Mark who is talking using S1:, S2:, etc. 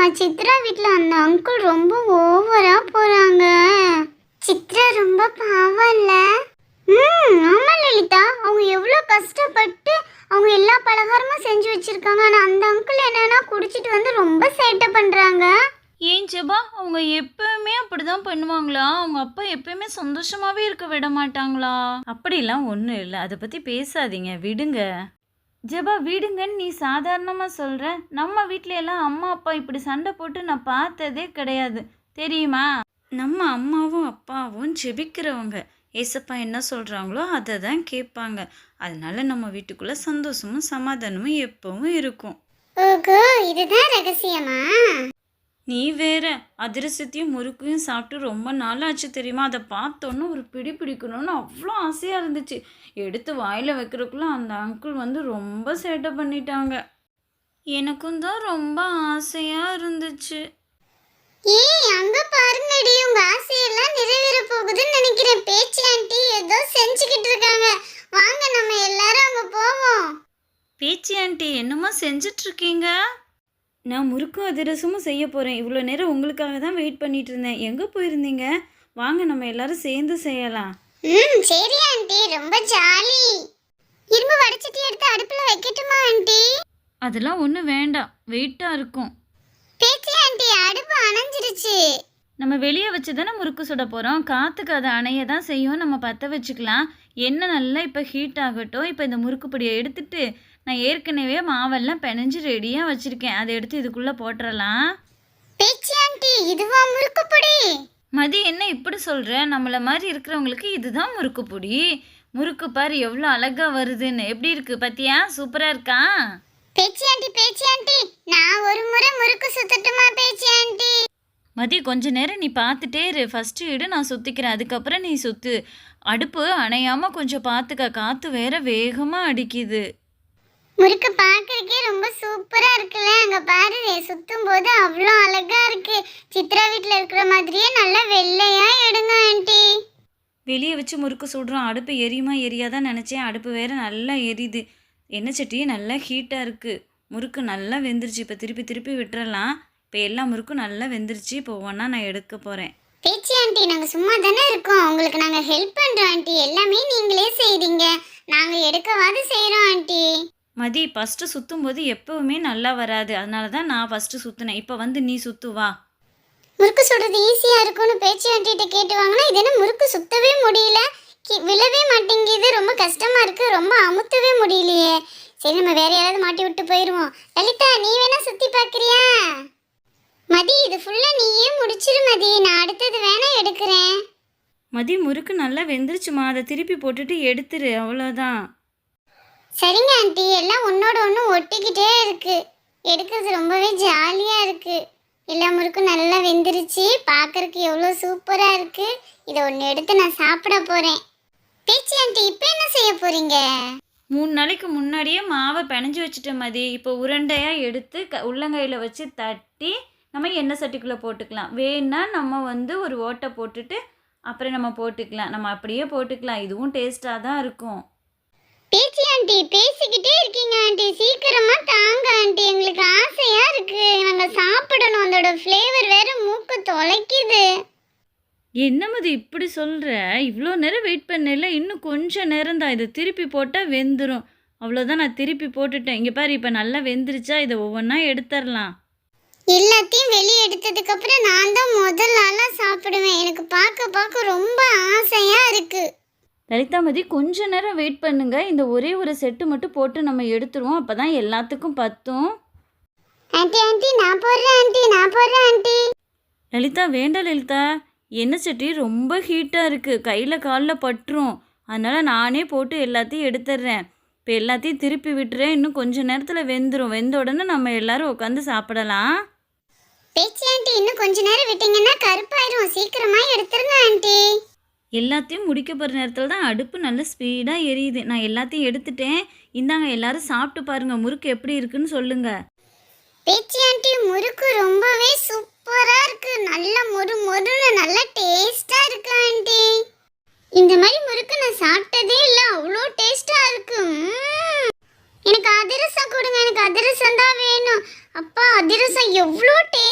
S1: சித்ரா வீட்டில் அந்த அங்கிள் ரொம்ப ஓவரா போறாங்க. சித்ரா ரொம்ப பாவம் இல்ல? ஆமா லலிதா, அவங்க எவ்வளோ கஷ்டப்பட்டு அவங்க எல்லா பலகாரமும் செஞ்சு வச்சிருக்காங்க. ஆனால் அந்த அங்கிள் என்னன்னா குடிச்சிட்டு வந்து ரொம்ப சேட்டை பண்றாங்க.
S2: ஏன் ஜெபா, அவங்க எப்பவுமே அப்படிதான் பண்ணுவாங்களா? அவங்க அப்பா எப்பயுமே சந்தோஷமாவே இருக்க விட மாட்டாங்களா? அப்படிலாம் ஒன்றும் இல்லை, அதை பற்றி பேசாதீங்க, விடுங்க. ஜெபா விடுங்கன்னு நீ சாதாரணமாக சொல்கிற. நம்ம வீட்டில எல்லாம் அம்மா அப்பா இப்படி சண்டை போட்டு நான் பார்த்ததே கிடையாது தெரியுமா? நம்ம அம்மாவும் அப்பாவும் ஜெபிக்கிறவங்க. ஏசப்பா என்ன சொல்கிறாங்களோ அதை தான் கேட்பாங்க. அதனால நம்ம வீட்டுக்குள்ளே சந்தோஷமும் சமாதானமும் எப்பவும் இருக்கும்.
S1: ஓகோ, இதுதான் ரகசியமா?
S2: நீ வேற அதிரசத்தையும் முறுக்கையும் சாப்பிட்டு ரொம்ப நாள் ஆச்சு தெரியுமா? அதை பார்த்தோன்னே ஒரு பிடி பிடிக்கணும்னு அவ்வளோ ஆசையாக இருந்துச்சு. எடுத்து வாயில் வைக்கிறதுக்குள்ள அந்த அங்கிள் வந்து ரொம்ப சேட்டை பண்ணிட்டாங்க. எனக்கும் தான் ரொம்ப ஆசையாக இருந்துச்சு.
S1: ஏய், அங்க பாருங்கடி, உங்க ஆசையெல்லாம் நிறைவேற போகுதுன்னு நினைக்கிறேன். பேச்சு ஆண்டி ஏதோ செஞ்சுக்கிட்டு இருக்காங்க. வாங்க நம்ம எல்லாரும் அங்க போவோம்.
S2: பேச்சி ஆண்டி என்னமா செஞ்சிட்டு இருக்கீங்க? நான் முறுக்கும் அதிரசமும் செய்ய போகிறேன். இவ்வளோ நேரம் உங்களுக்காக தான் வெயிட் பண்ணிட்டு இருந்தேன். எங்கே போயிருந்தீங்க? வாங்க நம்ம எல்லாரும் சேர்ந்து செய்யலாம்.
S1: சரி ஆண்டி, ரொம்ப ஜாலி. இரும்பு வடிச்சிட்டு எடுத்து அடுப்புல வைக்கட்டுமா ஆண்டி?
S2: அதெல்லாம் ஒன்றும் வேண்டாம், வெயிட்டாக இருக்கும்.
S1: பேச்சி ஆண்டி, அடுப்பு அணைஞ்சிருச்சு.
S2: நம்ம வெளியே வச்சு தானே முறுக்கு சுட போகிறோம். காற்றுக்கு அதை அணைய தான் செய்யும். நம்ம பற்ற வச்சுக்கலாம். எண்ணெய் நல்லா இப்போ ஹீட் ஆகட்டும். இப்போ இந்த முறுக்கு பொடியை எடுத்துட்டு நான் ஏற்கனவே மாவெல்லாம் பிணைஞ்சு ரெடியாக வச்சுருக்கேன். அதை எடுத்து இதுக்குள்ளே போட்டுடலாம்.
S1: பேச்சி ஆண்டி, இதுவா முறுக்கு பொடி?
S2: மதி என்ன இப்படி சொல்கிற? நம்மளை மாதிரி இருக்கிறவங்களுக்கு இதுதான் முறுக்கு பொடி. முறுக்கு பாரு எவ்வளோ அழகாக வருதுன்னு. எப்படி இருக்குது பார்த்தியா? சூப்பராக இருக்கா?
S1: பேச்சி ஆண்டி, நான் ஒரு முறை முறுக்கு சுத்தட்டுமா பேச்சி ஆண்டி?
S2: மதி கொஞ்ச நேரம் நீ பார்த்துட்டே இரு. ஃபஸ்ட்டு இடு, நான் சுற்றிக்கிறேன். அதுக்கப்புறம் நீ சுற்று. அடுப்பு அணையாமல் கொஞ்சம் பார்த்துக்க. காற்று வேற வேகமாக அடிக்குது.
S1: முறுக்கு பார்க்கறதுக்கே ரொம்ப சூப்பரா இருக்குல்ல? அங்க பாரு, சுத்தும் போது அவ்வளோ அழகா இருக்கு. சித்ரா வீட்டில் இருக்கிற மாதிரியே நல்லா வெள்ளையா எடுங்க ஆண்டி.
S2: வெளியே வச்சு முறுக்கு சுடுறோம். அடுப்பு எரியுமா எரியாதான் நினச்சேன். அடுப்பு வேற நல்லா எரியுது. எண்ணெய் சட்டியே நல்லா ஹீட்டாக இருக்குது. முறுக்கு நல்லா வெந்துருச்சு. இப்போ திருப்பி திருப்பி விட்டுறலாம். இப்போ எல்லா முறுக்கும் நல்லா வெந்துருச்சு. இப்போ ஒவ்வொன்றா நான் எடுக்க போகிறேன்.
S1: பேச்சி ஆண்டி, நாங்கள் சும்மா தானே இருக்கோம். உங்களுக்கு நாங்கள் ஹெல்ப் பண்ணுறோம் ஆண்டி. எல்லாமே நீங்களே செய்கிறீங்க, நாங்கள் எடுக்கவாது செய்கிறோம் ஆண்டி.
S2: மதி, ஃபஸ்ட்டு சுற்றும் போது எப்போவுமே நல்லா வராது. அதனால தான் நான் ஃபஸ்ட்டு சுற்றினேன். இப்போ வந்து நீ சுற்றுவா.
S1: முறுக்கு சுடுறது ஈஸியாக இருக்கும்னு பேச்சி ஆண்டிகிட்ட கேட்டு வாங்கினா, இது என்ன முறுக்கு சுத்தவே முடியல, விழவே மாட்டேங்குது, ரொம்ப கஷ்டமாக இருக்குது, ரொம்ப அமுத்தவே முடியலையே. சரி, நம்ம வேற யாராவது மாட்டி விட்டு போயிடுவோம். லலிதா, நீ வேணா சுற்றி பார்க்குறியா? மதி, இது ஃபுல்லாக நீயே முடிச்சிரு மதி, நான் அடுத்தது வேணா எடுக்கிறேன்.
S2: மதி, முறுக்கு நல்லா வெந்துருச்சுமா. அதை திருப்பி போட்டுட்டு எடுத்துரு, அவ்வளோதான்.
S1: சரிங்க ஆண்டி, எல்லாம் ஒன்னோட ஒன்று ஒட்டிக்கிட்டே இருக்கு. எடுக்கிறது ரொம்பவே ஜாலியாக இருக்கு. எல்லா முறுக்கும் நல்லா வெந்துருச்சு. பார்க்கறதுக்கு எவ்வளோ சூப்பராக இருக்கு. இதை ஒன்று எடுத்து நான் சாப்பிட போகிறேன். பேச்சி ஆண்டி, இப்போ என்ன செய்ய போறீங்க?
S2: 3 நாளைக்கு முன்னாடியே மாவை பிணைஞ்சு வச்சுட்டேன் மதி. இப்போ உருண்டையாக எடுத்து உள்ளங்கையில் வச்சு தட்டி நம்ம எண்ணெய் சட்டிக்குள்ளே போட்டுக்கலாம். வேணா நம்ம வந்து ஒரு ஓட்டை போட்டுட்டு அப்புறம் நம்ம போட்டுக்கலாம். நம்ம அப்படியே போட்டுக்கலாம். இதுவும் டேஸ்ட்டாக தான் இருக்கும்.
S1: பேச்சி ஆண்டி, பேசிக்கிட்டே இருக்கீங்க ஆண்டி, சீக்கிரமா தாங்க ஆண்டி, எங்களுக்கு ஆசையா இருக்கு. நாங்க சாப்பிடணும். அதோட ஃப்ளேவர் வேற மூக்கு தொலைக்குது.
S2: என்ன மதி இப்படி சொல்கிற? இவ்வளோ நேரம் வெயிட் பண்ணல, இன்னும் கொஞ்சம் நேரம் தான். இதை திருப்பி போட்டால் வெந்துடும். அவ்வளோதான், நான் திருப்பி போட்டுட்டேன். இங்கே பாரு, இப்போ நல்லா வெந்துருச்சா? இதை ஒவ்வொன்றா எடுத்துடலாம்.
S1: எல்லாத்தையும் வெளியே எடுத்ததுக்கு அப்புறம் நான் தான் முதல் ஆளாக சாப்பிடுவேன். எனக்கு பார்க்க பார்க்க ரொம்ப ஆசையா இருக்கு.
S2: லலிதா மதி, கொஞ்ச நேரம் வெயிட் பண்ணுங்க. இந்த ஒரே ஒரு செட்டு மட்டும் போட்டு நம்ம எடுத்துருவோம். அப்போ தான் எல்லாத்துக்கும் பத்தும்.
S1: ஆண்டி ஆண்டி, நான் போடுறேன் ஆண்டி.
S2: லலிதா வேண்டாம் லலிதா, எண்ணெய் சட்டி ரொம்ப ஹீட்டாக இருக்குது. கையில் காலில் பட்டுரும். அதனால் நானே போட்டு எல்லாத்தையும் எடுத்துடுறேன். இப்போ எல்லாத்தையும் திருப்பி விட்டுறேன். இன்னும் கொஞ்சம் நேரத்தில் வெந்துடும். வெந்த உடனே நம்ம எல்லோரும் உட்காந்து சாப்பிடலாம்.
S1: பேச்சி ஆண்டி, இன்னும் கொஞ்ச நேரம் விட்டீங்கன்னா கருப்பாயிரும். சீக்கிரமா எடுத்துருங்க ஆண்டி.
S2: எல்லாத்தையும் முடிக்க போகிற நேரத்தில் தான் அடுப்பு நல்ல ஸ்பீடாக எரியுது. நான் எல்லாத்தையும் எடுத்துட்டேன். இந்தாங்க, எல்லாரும் சாப்பிட்டு பாருங்கள். முறுக்கு எப்படி இருக்குன்னு சொல்லுங்கள்.
S1: பேச்சி ஆண்டி, முறுக்கு ரொம்பவே சூப்பராக இருக்கு. நல்ல மொறு மொறுன்னு நல்ல டேஸ்டாக இருக்கு ஆண்டி. இந்த மாதிரி முறுக்கு நான் சாப்பிட்டதே இல்லை, அவ்வளோ டேஸ்டாக இருக்கு. எனக்கு அதிரசம் கொடுங்க, எனக்கு அதிரசம் தான் வேணும். அப்பா, அதிரசம் எவ்வளோ டேஸ்ட்